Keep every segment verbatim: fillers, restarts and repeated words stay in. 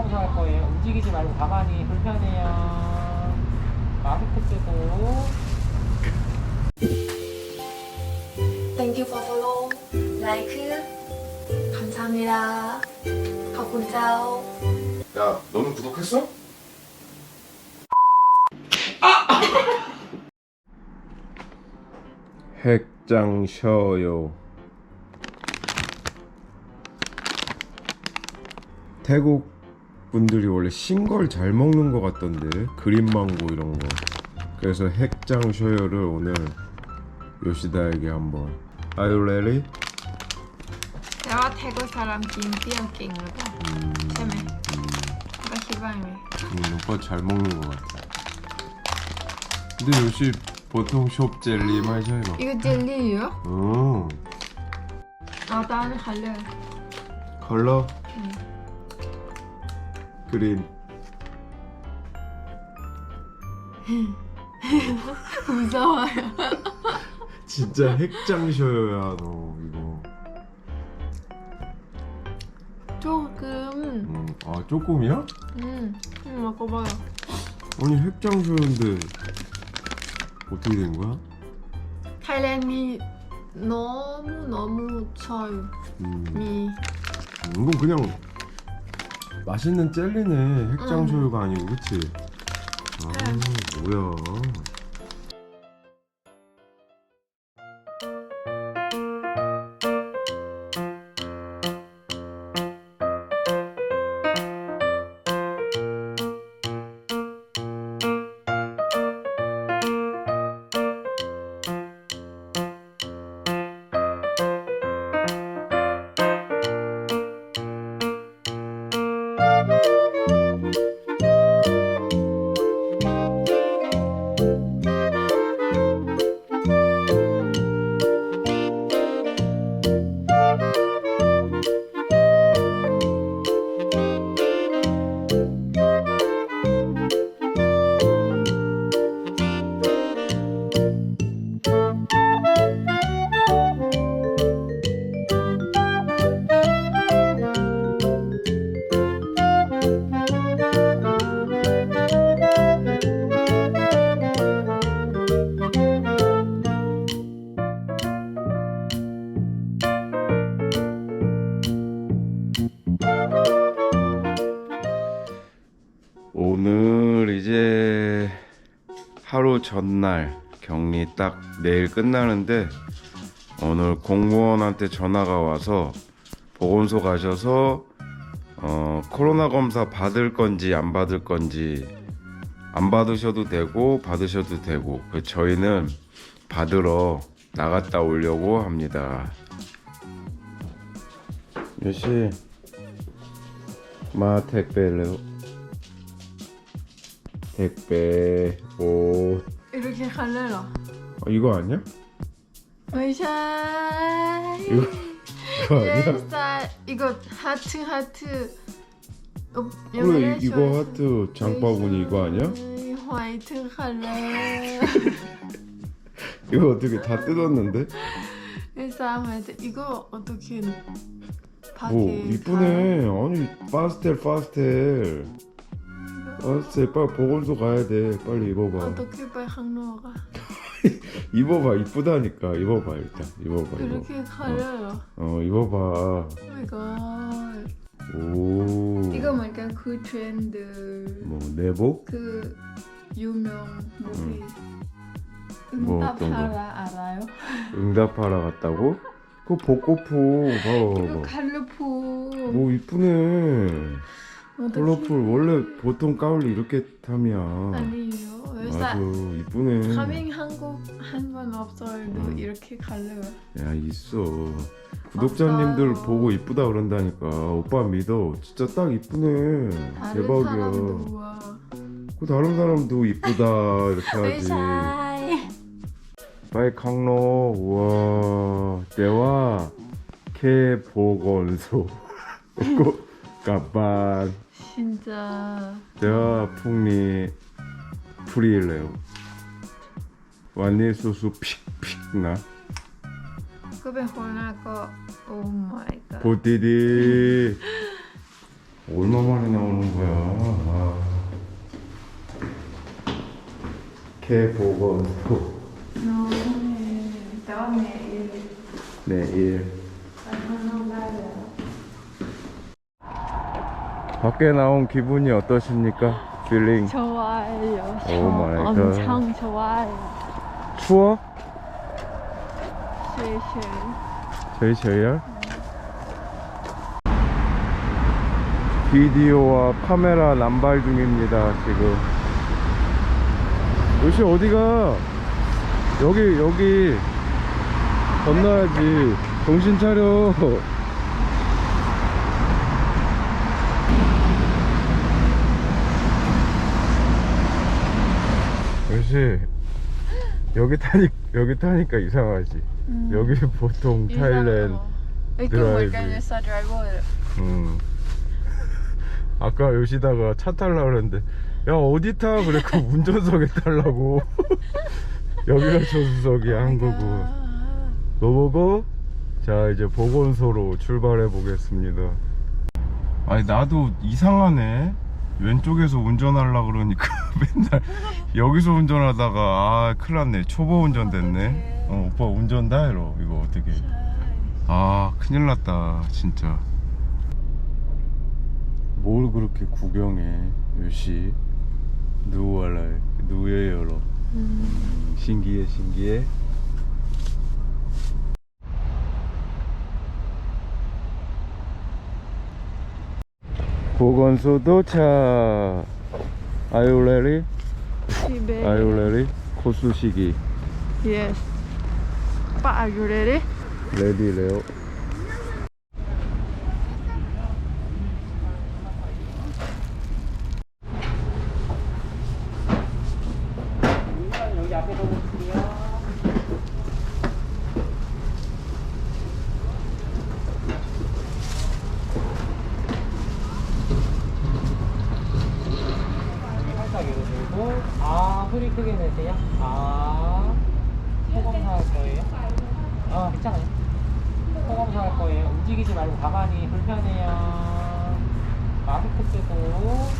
하고서 할 거예요. 움직이지 말고 가만히 불편해요. 마스크 쓰고. Thank you for follow, like, 감사합니다. ขอบคุณเจ้า 야, 너는 구독했어? 핵장 쉬어요. 태국 분들이 원래 신 걸 잘 먹는 것 같던데, 그린망고 이런 거. 그래서 핵장 쉬어요를 오늘 요시다에게 한번. Are you ready? แต่ว่าแท็กก็สารามกินเปรี้ยวเก่งหรือเปล่าใช่ไหมก็คิดว่าไง 음, 오빠 잘 먹는 것 같아. 근데 요시 보통 숍 젤리 마셔요. อีกเจลลี่เหรอ 어, เอาตาคันเลย 컬러? 그린. 무서워요. 진짜 핵장 쉬어요야 너 이거. 조금 음, 아 조금이야? 음, 음 먹어봐요. 아니 핵장 쉬어요인데 어떻게 된 거야? 타일랜드 너무 너무 쳐요. 음, 미 이건 그냥 맛있는 젤리네. 핵장 음. 쉬어요가 아니고, 그치? 아, 뭐야. 오늘 이제 하루 전날 격리 딱 내일 끝나는데 오늘 공무원한테 전화가 와서 보건소 가셔서 어, 코로나 검사 받을 건지 안 받을 건지 안 받으셔도 되고 받으셔도 되고 그 저희는 받으러 나갔다 오려고 합니다. 요시 마 택배래요. 택배 옷. 이렇게 갈래요? 어, 이거 아니야? ไม่ใช่ 이거 이거 아니야? 쌀 이거 하트 하트 어, 그래 이, 이거 하트 장바구니 이거 아니야? 화이트 갈래 이거 어떻게 다 뜯었는데? 일단 화이트 이거 어떻게 밖에 오 이쁘네. 아니 파스텔 파스텔 파스텔 빨리 보건소 가야 돼. 빨리 입어봐. 어떻게 빨리 항로가 입어봐. 이쁘다니까. 입어봐 일단. 입어봐. 이렇게 입어. 갈래요 어 입어봐. 오마이갓 오. 이거 뭔가 그 트렌드 뭐 내복? 그 유명 무비 뭐 어떤 거? 응답하라 알아요? 응답하러 갔다고? 그거 벚꽃포 이거 봐봐. 갈르포 뭐 이쁘네. 어떡해. 컬러풀 원래 보통 가을이 이렇게 탐이야. 아니에요. 맞아 왜사 이쁘네. 가밍 한국 한 번 없어도 음. 이렇게 갈래요. 야 있어. 구독자님들 없어요. 보고 이쁘다 그런다니까. 오빠 믿어. 진짜 딱 이쁘네. 다른 대박이야. 사람도 와. 그 다른 사람도 이쁘다 이렇게 하지. 왜사이 빠이 강로. 우와. 대화 K 보건소. 꼭 가반. 진짜 대화 풍리 프리일래요. 완니 소스 픽픽 나. ก็เป็นคนหน้าก็ โอ้ my god 보디디. 얼마 만에 나오는 거야. 아. 개 보건소. 너네 너네 내일. 얼마나 밖에 나온 기분이 어떠십니까? 필링. 좋아요. 오 마이 갓. 엄청 좋아요. 추워? 쉐쉐. 저희 저희야? 비디오와 카메라 남발 중입니다 지금. 요시 어디가? 여기 여기 건너야지. 정신 차려. 요시 여기 타니 여기 타니까 이상하지. 음. 여기 보통 타일랜드. Ito 드라이브. magkano sa driver. 음. 아까 요시다가 차 탈라 그랬는데 야 어디 타? 그랬고 운전석에 타려고. 여기가 조수석이야 한국은. 뭐 보고 자 이제 보건소로 출발해 보겠습니다. 아니 나도 이상하네. 왼쪽에서 운전하려 그러니까 맨날 여기서 운전하다가 아 큰일 났네. 초보 운전 됐네. 어 오빠 운전 다 해로. 이거 어떻게 아 큰일 났다 진짜. 뭘 그렇게 구경해 요시. 누워라 누에요로. 음, 신기해 신기해. 보건소 도착. Are you ready? Sibe. Are you ready? 코수시기. Yes. Pa, are you ready? 레디래요. 여기 앞에 보실게요. 살짝 위로 들고 아 소리 크게 내세요. 아 소검사 할 거예요. 아 괜찮아요. 소검사 할 거예요. 움직이지 말고 가만히. 불편해요. 마스크 쓰고.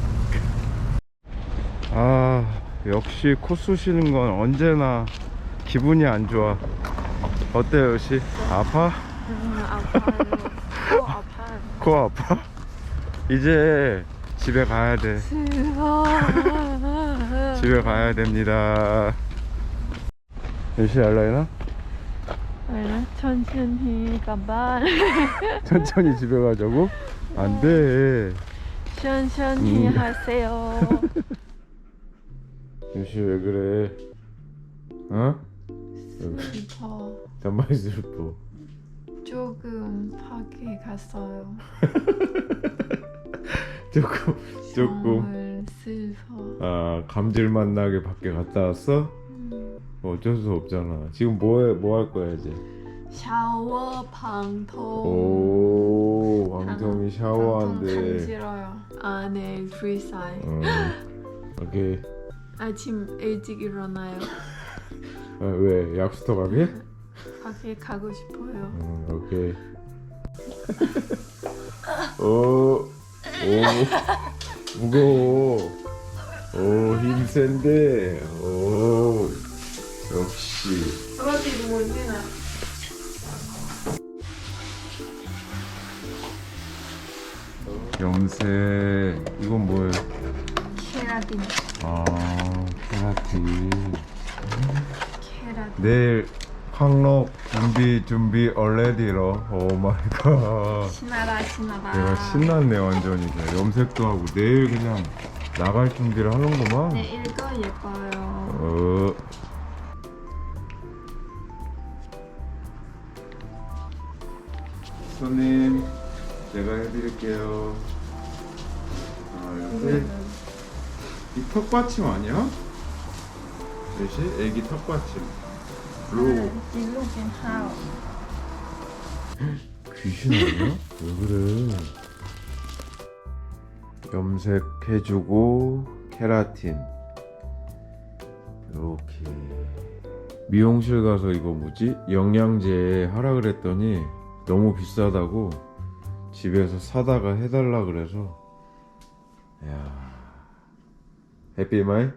아 역시 코 쑤시는 건 언제나 기분이 안 좋아. 어때요 요시? 아파? 음, 아파요. 또 아파요. 코 아파? 이제 집에 가야 돼. 싫어. 집에 가야 됩니다. 요시 알라이나? 알나? 천천히 가봐. 천천히 집에 가자고? 안 돼. 천천히 음. 하세요. 요시 왜 그래? 어? 슬퍼. 단발이 슬퍼. 조금 밖에 갔어요. 조금 조금 정말 슬퍼. 아 감질맛 나게 밖에 갔다 왔어? 음. 어쩔 수 없잖아. 지금 뭐해 뭐 할 거야 이제? 샤워 방통. 오 왕정이 샤워한대. 간지러요. 아, 네, 프리사이. 어, 오케이. 아침 일찍 일어나요. 아, 왜 약수터 가게? 밖에 가고 싶어요. 어, 오케이. 오, 오, 무거워. 오, 힘 센데. 오, 역시. 그렇지, 뭔지나. 염색. 이건 뭐예요? 케라틴. 아, 케라틴. 케라틴. 내일 황록 준비 준비 얼레디로. 오 마이 갓. 신나다, 신나다. 내가 신났네 완전히. 그냥 염색도 하고 내일 그냥 나갈 준비를 하는구만. 네, 이거 예뻐요. 어. 손님, 제가 해드릴게요. 아, 이렇게 이 턱받침 아니야? 몇시? 애기 턱받침. 블루. Looking how? 귀신 아니야? 왜 그래? 염색해주고 케라틴. 이렇게 미용실 가서 이거 뭐지? 영양제 하라 그랬더니 너무 비싸다고 집에서 사다가 해달라 그래서. 야, 해피 마이?